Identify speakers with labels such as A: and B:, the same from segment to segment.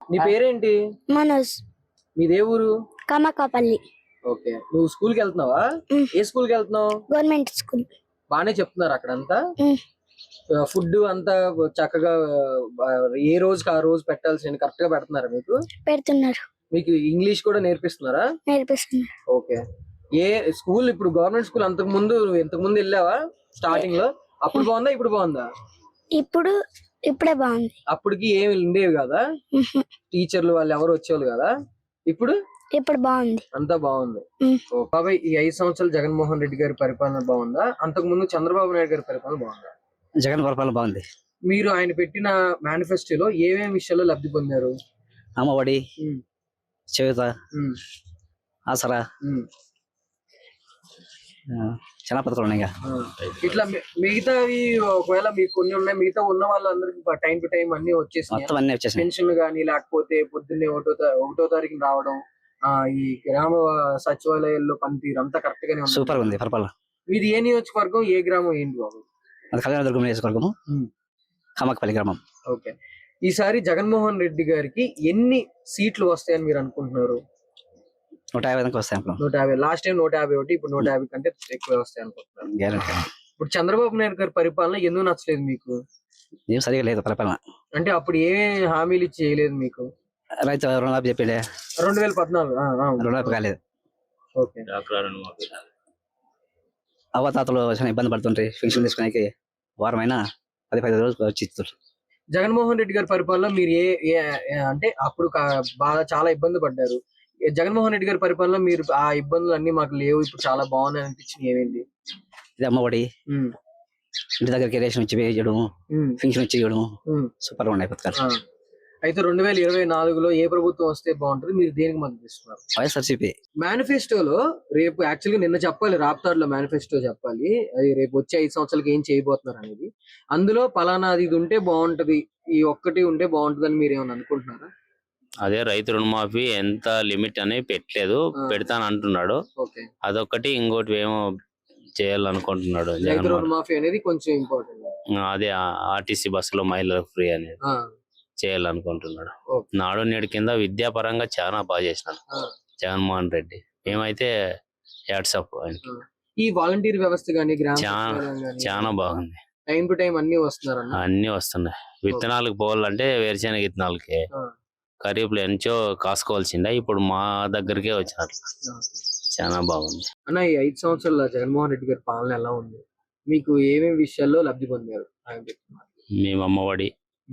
A: నీ పేరేంటి?
B: మనోజ్.
A: మీదే ఊరు?
B: కమకాపల్లి.
A: ఓకే, నువ్వు స్కూల్ కి వెళ్తున్నావా? ఏ స్కూల్ కి వెళ్తున్నావు?
B: Government school.
A: బానే చెప్తున్నారు అక్కడంతా? ఫుడ్ అంతా చక్కగా ఏ రోజుకి ఆ రోజు పెట్టాల్సిన కరెక్ట్ గా పెడుతున్నారా మీకు?
B: పెడుతున్నారు.
A: మీకు ఇంగ్లీష్ కూడా నేర్పిస్తున్నారా?
B: నేర్పిస్తున్నారు.
A: ఓకే. ఏ స్కూల్ ఇప్పుడు గవర్నమెంట్ స్కూల్ ఇంతకు ముందు వెళ్ళావా స్టార్టింగ్ లో? అప్పుడు బాగుందా ఇప్పుడు బాగుందా?
B: ఇప్పుడే బాగుంది.
A: అప్పటికి ఏమి ఉండేవి కదా, టీచర్లు వాళ్ళు ఎవరు వచ్చేవాళ్ళు కదా. ఇప్పుడు
B: బాగుంది.
A: అంతా బాగుంది. బాబాయ్, ఈ 5 సంవత్సరాలు జగన్మోహన్ రెడ్డి గారి పరిపాలన బాగుందా, అంతకు ముందు చంద్రబాబు నాయుడు గారి పరిపాలన బాగుందా?
C: జగన్ పరిపాలన బాగుంది.
A: మీరు ఆయన పెట్టిన మేనిఫెస్టోలో ఏమేమి విషయాల్లో లబ్ధి పొందారు?
C: అమ్మఒడి, చేయూత, ఆసరా, చాలా పథకాలు ఉన్నాయి.
A: ఇట్లా మిగతావి ఒకవేళ మీకు కొన్ని ఉన్నాయి, మిగతా ఉన్న వాళ్ళందరికి టైం టు టైం అన్ని వచ్చేసి పెన్షన్లు గానీ, లేకపోతే పొద్దున్నే 1వ తారీఖున రావడం, ఈ గ్రామ సచివాలయాల్లో పనితీరు అంతా కరెక్ట్ గానే
C: సూపర్ ఉంది పరిపాలన.
A: మీది ఏ నియోజకవర్గం, ఏ గ్రామం ఏంటి బాబు?
C: అది కళ్యాణదుర్గం నియోజకవర్గము, కమకపల్లి గ్రామం.
A: ఓకే. ఈసారి జగన్మోహన్ రెడ్డి గారికి ఎన్ని సీట్లు వస్తాయని మీరు అనుకుంటున్నారు?
C: 150 దాకా వస్తాయి.
A: 150. లాస్ట్ టైం 151, ఇప్పుడు 150 కంటే ఎక్కువ వస్తాయి అనుకుంటున్నారు. ఇప్పుడు చంద్రబాబు నాయుడు గారి పరిపాలన ఎందుకు నచ్చలేదు మీకు?
C: ఏం సరిగా లేదు పరిపాలన. అంటే
A: అప్పుడు ఏ హామీలు ఇచ్చి చేయలేదు మీకు?
C: రైతు రుణమాఫీ చెప్పిండే
A: 2014
C: రుణమాఫీ కాలేదు.
A: ఓకే.
C: అవ్వతాతలు చాలా ఇబ్బంది పడుతుంటాయి, పెన్షన్ తీసుకునే వారమైనా 15 రోజులు వచ్చి ఇస్తారు.
A: జగన్మోహన్ రెడ్డి గారి పరిపాలన మీరు అంటే అప్పుడు బాగా చాలా ఇబ్బంది పడ్డారు. జగన్మోహన్ రెడ్డి గారి పరిపాలన మీరు ఆ ఇబ్బందులు అన్ని మాకు లేవు, ఇప్పుడు చాలా బాగున్నాయి అనిపించింది ఏమేంటి?
C: ఇది అమ్మఒడి, ఇంటి దగ్గరికి రేషన్ వచ్చి వేయడం, పెన్షన్ వచ్చి ఇవ్వడం, సూపర్ గా ఉన్నాయి పథకాలు.
A: అయితే 2024లో ఏ ప్రభుత్వం వస్తే బాగుంటుంది, మీరు దేనికి మద్దతు ఇస్తున్నారు?
C: వైఎస్ఆర్సీపీ.
A: మేనిఫెస్టోలో రేపు యాక్చువల్గా నిన్న చెప్పాలి, రాప్తాడులో మేనిఫెస్టో చెప్పాలి, అది రేపు వచ్చే 5 సంవత్సరాలకి ఏం చేయబోతున్నారు అనేది. అందులో పలానా ఇది ఉంటే బాగుంటది, ఈ ఒక్కటి ఉంటే బాగుంటది అని మీరు ఏమైనా అనుకుంటున్నారా?
D: అదే రైతు రుణమాఫీ ఎంత లిమిట్ అని పెట్టలేదు, పెడతాను అంటున్నాడు. అదొక్కటి, ఇంకోటి ఏమో చేయాలనుకుంటున్నాడు.
A: రైతు రుణమాఫీ అనేది కొంచెం ఇంపార్టెంట్.
D: అదే ఆర్టీసీ బస్సులో మహిళలకు ఫ్రీ అనేది చేయాలనుకుంటున్నాడు. నాడు నేడు కింద విద్యాపరంగా చాలా బాగా చేసినాడు జగన్మోహన్ రెడ్డి. మేమైతే వాట్సాప్
A: ఈ వాలంటీర్ వ్యవస్థ గానీ
D: చాలా బాగుంది.
A: టైం టు టైం అన్ని వస్తున్నారు,
D: అన్ని వస్తున్నాయి. విత్తనాలకు పోవాలంటే వేరుశెనగ విత్తనాలకి ఖరీఫ్లో ఎంచో కాసుకోవాల్సిందే, ఇప్పుడు మా దగ్గరికే వచ్చినట్లు. చాలా బాగుంది
A: అన్న. ఈ 5 సంవత్సరాల జగన్మోహన్ రెడ్డి గారి పాలన ఎలా ఉంది? మీకు ఏమేమి విషయాల్లో లబ్ధి పొందారు?
D: మేము అమ్మఒడి,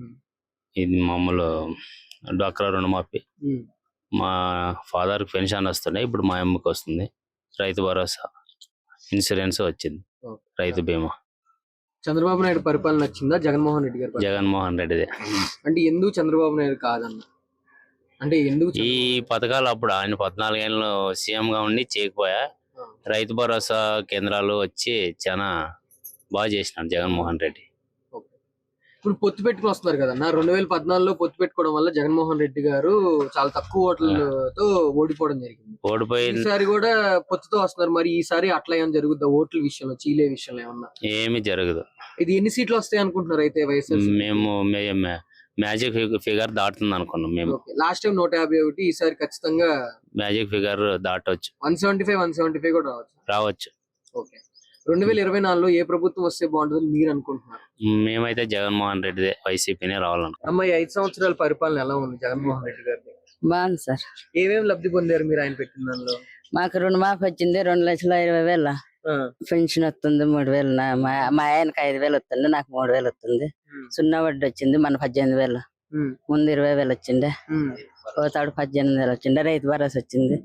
D: ఇది మామూలు డ్వాక్రా రుణమాఫీ, మా ఫాదర్ పెన్షన్ వస్తున్నాయి, ఇప్పుడు మా అమ్మకి వస్తుంది. రైతు భరోసా, ఇన్సూరెన్స్ వచ్చింది, రైతు బీమా.
A: చంద్రబాబు నాయుడు పరిపాలన నచ్చిందా జగన్మోహన్ రెడ్డి గారు?
D: జగన్మోహన్ రెడ్డిదే.
A: అంటే ఎందుకు చంద్రబాబు నాయుడు కాదన్న? అంటే ఎందుకు
D: ఈ పథకాలు అప్పుడు ఆయన 14 ఏళ్ళు సీఎం గా ఉండి చేయకపోయా, రైతు భరోసా కేంద్రాలు వచ్చి చాలా బాగా చేసినాడు జగన్మోహన్ రెడ్డి.
A: ఇప్పుడు పొత్తు పెట్టుకుని వస్తున్నారు కదన్నా, 2014లో పొత్తు పెట్టుకోవడం వల్ల జగన్మోహన్ రెడ్డి గారు చాలా తక్కువ ఓట్లతో ఓడిపోవడం జరిగింది. ఈసారి కూడా పొత్తుతో వస్తున్నారు, మరి ఈసారి అట్లా ఏమైనా జరుగుద్దా? ఓట్ల విషయంలో, చీలే విషయంలో ఏమన్నా?
D: ఏమి జరగదు.
A: ఇది ఎన్ని సీట్లు వస్తాయి అనుకుంటున్నారు అయితే వైఎస్ఆర్?
D: మేము మ్యాజిక్ ఫిగర్ దాటుతుంది అనుకున్నాం మేము.
A: లాస్ట్ టైం 151, ఈసారి ఖచ్చితంగా
D: మ్యాజిక్ ఫిగర్ దాటొచ్చు.
A: 175 కూడా
D: రావచ్చు.
A: ఓకే. 2024లో ఏ ప్రభుత్వం వస్తే బాగుంటుంది మీరు అనుకుంటున్నారు?
D: మేమైతే జగన్మోహన్ రెడ్డి వైసీపీనే రావాలనుకుంటున్నాం.
A: అమ్మ, 5 సంవత్సరాల పరిపాలన ఎలా ఉంది జగన్మోహన్ రెడ్డి గారిది?
E: బాగుంది సార్.
A: ఏమేమి లబ్ధి పొందారు మీరు ఆయన పెట్టిన దానిలో?
E: మాకు రుణమాఫీ వచ్చింది 2,20,000. పెన్షన్ వస్తుంది 3,000. మా ఆయనకి 5,000 వస్తుంది, నాకు 3,000 వస్తుంది. సున్నా వడ్డీ వచ్చింది మన 18,000. ముందు 20,000 వచ్చిండే, పోతాడు 18,000 వచ్చిండే. రైతు భరోసా వచ్చింది.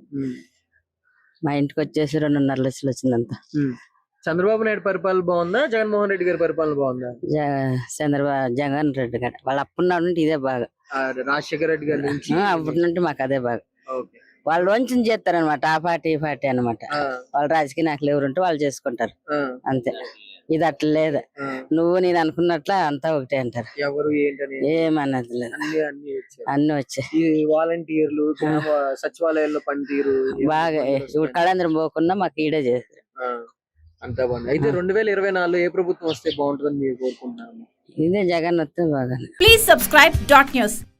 E: మా ఇంటికి వచ్చేసి 2.5 లక్షలు వచ్చిందంతా.
A: చంద్రబాబు నాయుడు పరిపాలన బాగుందా, జగన్మోహన్ రెడ్డి గారి పరిపాలన బాగుందా?
E: జగన్ రెడ్డి గారు వాళ్ళు అప్పుడున్నాడు నుండి ఇదే బాగా.
A: రాజశేఖర రెడ్డి గారి నుంచి
E: అప్పటి నుండి మాకు అదే బాగా. వాళ్ళు వంచన చేస్తారనమాట, ఆ పార్టీ ఈ పార్టీ అనమాట. వాళ్ళు రాజకీయ నాయకులు ఎవరుంటే వాళ్ళు చేసుకుంటారు అంతే. ఇది అట్లా లేదు, నువ్వు నేను అనుకున్నట్ల అంతా ఒకటే అంటారు.
A: ఎవరు
E: ఏమన్నది లేదు, అన్ని వచ్చాయి.
A: వాలంటీర్లు, సచివాలయాల్లో పనితీరు
E: బాగా. ఇప్పుడు కళాంధ్రం పోకుండా మాకు ఈడే చేస్తారు,
A: అంతా బాగుంది. అయితే 2024లో ఏ ప్రభుత్వం వస్తే బాగుంటుందని మీరు కోరుకుంటున్నారు?
E: ఇదే జగన్ వస్తే బాగా.
F: Please subscribe .news.